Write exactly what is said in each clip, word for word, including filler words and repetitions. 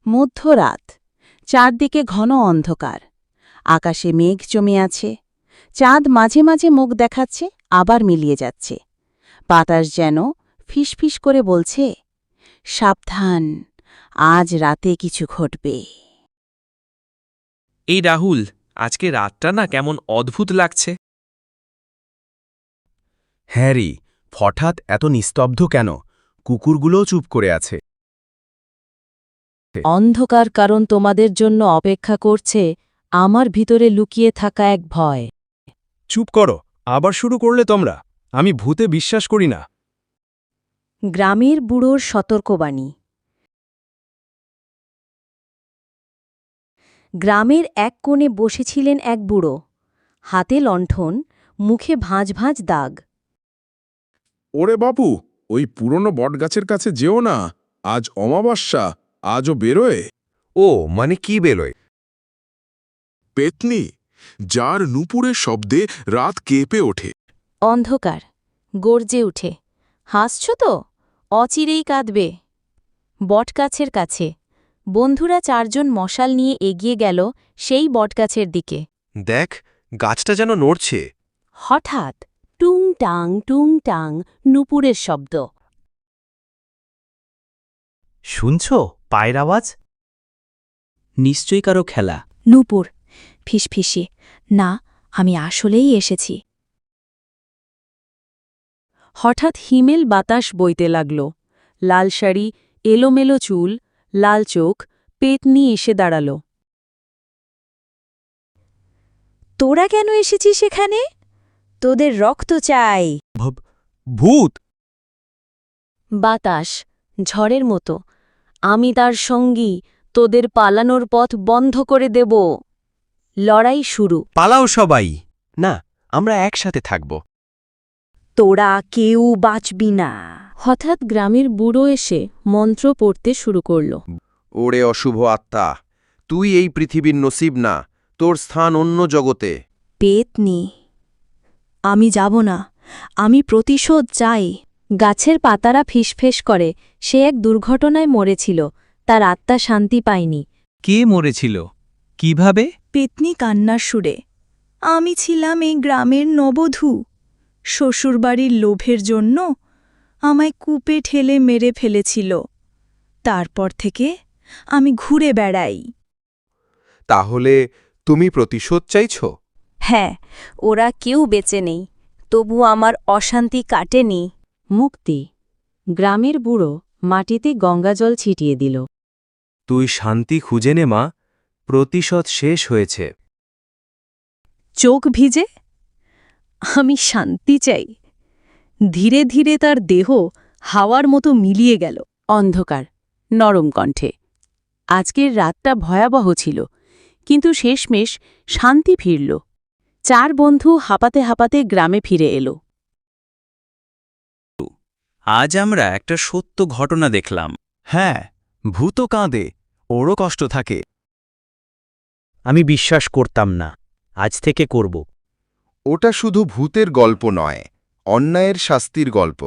মধ্যরাত, চারদিকে ঘন অন্ধকার। আকাশে মেঘ জমে আছে। চাঁদ মাঝে মাঝে মুখ দেখাচ্ছে, আবার মিলিয়ে যাচ্ছে। বাতাস যেন ফিসফিস করে বলছে, সাবধান, আজ রাতে কিছু ঘটবে। এই রাহুল, আজকে রাতটা না কেমন অদ্ভুত লাগছে। হ্যারি, হঠাৎ এত নিস্তব্ধ কেন? কুকুরগুলোও চুপ করে আছে। অন্ধকার কারণ তোমাদের জন্য অপেক্ষা করছে আমার ভিতরে লুকিয়ে থাকা এক ভয়। চুপ করো, আবার শুরু করলে তোমরা। আমি ভূতে বিশ্বাস করি না। গ্রামের বুড়োর সতর্কবাণী। গ্রামের এক কোণে বসেছিলেন এক বুড়ো, হাতে লণ্ঠন, মুখে ভাঁজ ভাঁজ দাগ। ওরে বাপু, ওই পুরনো বটগাছের কাছে যেও না, আজ অমাবস্যা, আজও বেরোয়। ও মানে কি বেরোয়? পেতনি, যার নুপুরের শব্দে রাত কেঁপে ওঠে। অন্ধকার গর্জে উঠে, হাসছ তো? অচিরেই কাঁদবে। বটগাছের কাছে বন্ধুরা চারজন মশাল নিয়ে এগিয়ে গেল সেই বটগাছের দিকে। দেখ, গাছটা যেন নড়ছে। হঠাৎ টুং টাং টুং টাং নুপুরের শব্দ। শুনছ পায়ের আওয়াজ? নিশ্চয়ই কারো খেলা। নূপুর ফিসফিসে, না, আমি আসলেই এসেছি। হঠাৎ হিমেল বাতাস বইতে লাগল। লাল শাড়ি, এলোমেলো চুল, লাল চোখ, পেতনি এসে দাঁড়াল। তোরা কেন এসেছিস সেখানে? তোদের রক্ত চাই। ভূত! বাতাস ঝড়ের মতো, আমি তার সঙ্গী, তোদের পালানোর পথ বন্ধ করে দেব। লড়াই শুরু। পালাও সবাই! না, আমরা একসাথে থাকব। তোরা কেউ বাঁচবি না। হঠাৎ গ্রামের বুড়ো এসে মন্ত্র পড়তে শুরু করল। ওরে অশুভ আত্মা, তুই এই পৃথিবীর নসিব না, তোর স্থান অন্য জগতে। পেতনি, আমি যাব না, আমি প্রতিশোধ চাই। গাছের পাতারা ফিসফেস করে, সে এক দুর্ঘটনায় মরেছিল, তার আত্মা শান্তি পায়নি। কে মরেছিল? কিভাবে? পেতনি কান্নার সুরে, আমি ছিলাম এই গ্রামের নবধূ। শ্বশুরবাড়ির লোভের জন্য আমায় কূপে ঠেলে মেরে ফেলেছিল। তারপর থেকে আমি ঘুরে বেড়াই। তাহলে তুমি প্রতিশোধ চাইছ? হ্যাঁ, ওরা কেউ বেঁচে নেই, তবু আমার অশান্তি কাটেনি। মুক্তি। গ্রামের বুড়ো মাটিতে গঙ্গাজল ছিটিয়ে দিল। তুই শান্তি খুঁজে নে মা, প্রতিশোধ শেষ হয়েছে। চোখ ভিজে, আমি শান্তি চাই। ধীরে ধীরে তার দেহ হাওয়ার মতো মিলিয়ে গেল। অন্ধকার নরম কণ্ঠে, আজকের রাতটা ভয়াবহ ছিল, কিন্তু শেষমেশ শান্তি ফিরল। চার বন্ধু হাঁপাতে হাঁপাতে গ্রামে ফিরে এলো। আজ আমরা একটা সত্য ঘটনা দেখলাম। হ্যাঁ, ভূত কাঁদে, ওরও কষ্ট থাকে। আমি বিশ্বাস করতাম না, আজ থেকে করব। ওটা শুধু ভূতের গল্প নয়, অন্যায়ের শাস্তির গল্প।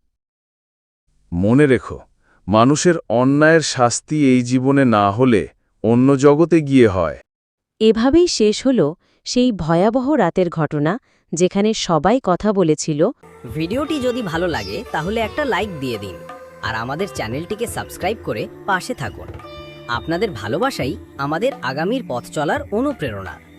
মনে রেখো, মানুষের অন্যায়ের শাস্তি এই জীবনে না হলে অন্য জগতে গিয়ে হয়। এভাবেই শেষ হল সেই ভয়াবহ রাতের ঘটনা, যেখানে সবাই কথা বলেছিল। ভিডিওটি যদি ভালো লাগে তাহলে একটা লাইক দিয়ে দিন, আর আমাদের চ্যানেলটিকে সাবস্ক্রাইব করে পাশে থাকুন। আপনাদের ভালোবাসাই আমাদের আগামীর পথ চলার অনুপ্রেরণা।